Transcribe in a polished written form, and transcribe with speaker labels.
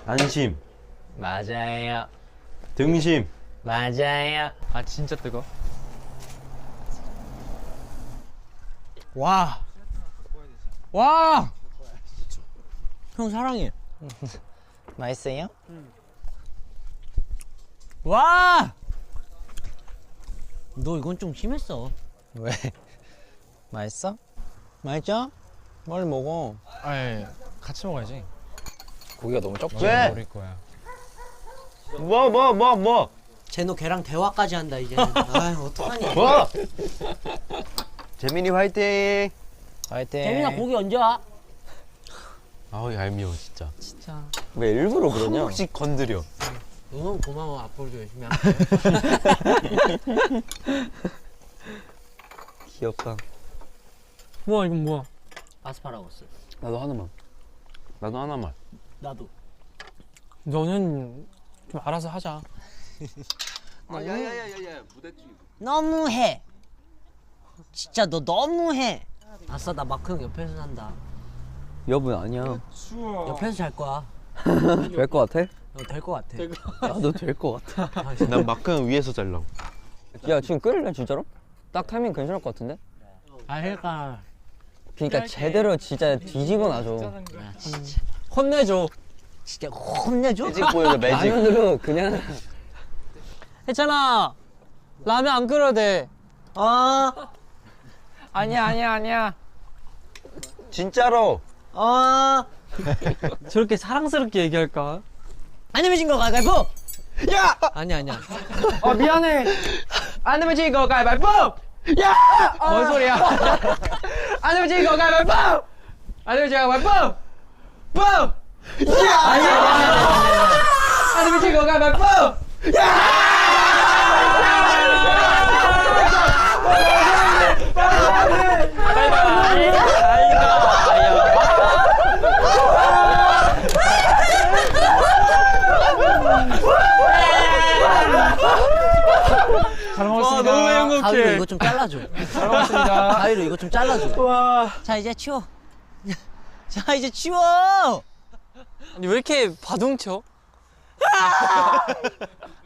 Speaker 1: 안심,
Speaker 2: 맞아요.
Speaker 1: 등심.
Speaker 2: 맞아요.
Speaker 3: 아 진짜 뜨거.
Speaker 2: 와. 와. 형 사랑해. 맛있어요? 와. 너 이건 좀 심했어. 왜? 맛있어? 맛있죠? 빨리 먹어.
Speaker 3: 아예 같이 먹어야지.
Speaker 2: 고기가 너무 적지?
Speaker 1: 왜?
Speaker 3: 버릴 거야.
Speaker 1: 뭐?
Speaker 4: 쟤너 걔랑 대화까지 한다 이제는. 아 어떡하니?
Speaker 1: 뭐? 재민이 화이팅!
Speaker 2: 화이팅.
Speaker 4: 재민아 고기 언제 와?
Speaker 1: 아우 얄미워 진짜.
Speaker 4: 진짜.
Speaker 1: 왜 일부러 그러냐? 한 번씩 건드려.
Speaker 4: 너무 고마워. 앞으로도 열심히 할게.
Speaker 1: 귀엽다.
Speaker 3: 뭐야 이건 뭐야?
Speaker 4: 아스파라거스.
Speaker 1: 나도 하나만. 나도 하나만.
Speaker 4: 나도.
Speaker 3: 너는 좀 알아서 하자.
Speaker 1: 야야야야야 무대찌.
Speaker 4: 너무해. 진짜 너 너무해. 아싸 나 마크 형 옆에서 산다.
Speaker 5: 여분 아니야.
Speaker 4: 옆에서 잘 거야.
Speaker 5: 될 것 같아?
Speaker 4: 될 거 같아.
Speaker 5: 나도 될 것 같아.
Speaker 1: 난 마크 형 위에서 잘라고.
Speaker 5: 야 지금 끓일래 진짜로? 딱 타이밍 괜찮을 것 같은데?
Speaker 4: 아 그러니까.
Speaker 5: 그러니까 제대로 진짜 뒤집어 놔줘.
Speaker 4: 야, 진짜.
Speaker 3: 혼내줘.
Speaker 4: 진짜 혼내줘?
Speaker 1: 매직 보여줘 매직.
Speaker 5: 라면으로 그냥.
Speaker 3: 했잖아. 라면 안 끓여도 돼.
Speaker 4: 어.
Speaker 3: 아니야.
Speaker 1: 진짜로.
Speaker 4: 어.
Speaker 3: 저렇게 사랑스럽게 얘기할까?
Speaker 4: 안 내면 진거 가위바위보.
Speaker 3: 야!
Speaker 4: 아니야.
Speaker 3: 미안해. 안 되면 지거 가위바위보. 야! 뭔 소리야? 안 되면 지거 가위바위보. 안 되면 지거 가위바위보. 보! 야! 아니야. 안 되면 지거 가위바위보. 잘 먹었습니다. 너무 행복해.
Speaker 4: 가위로 이거 좀 잘라줘.
Speaker 3: 잘 먹었습니다.
Speaker 4: 가위로 이거 좀 잘라줘.
Speaker 3: 와.
Speaker 4: 자 이제 치워. 자 이제 치워.
Speaker 3: 아니 왜 이렇게 바둥쳐?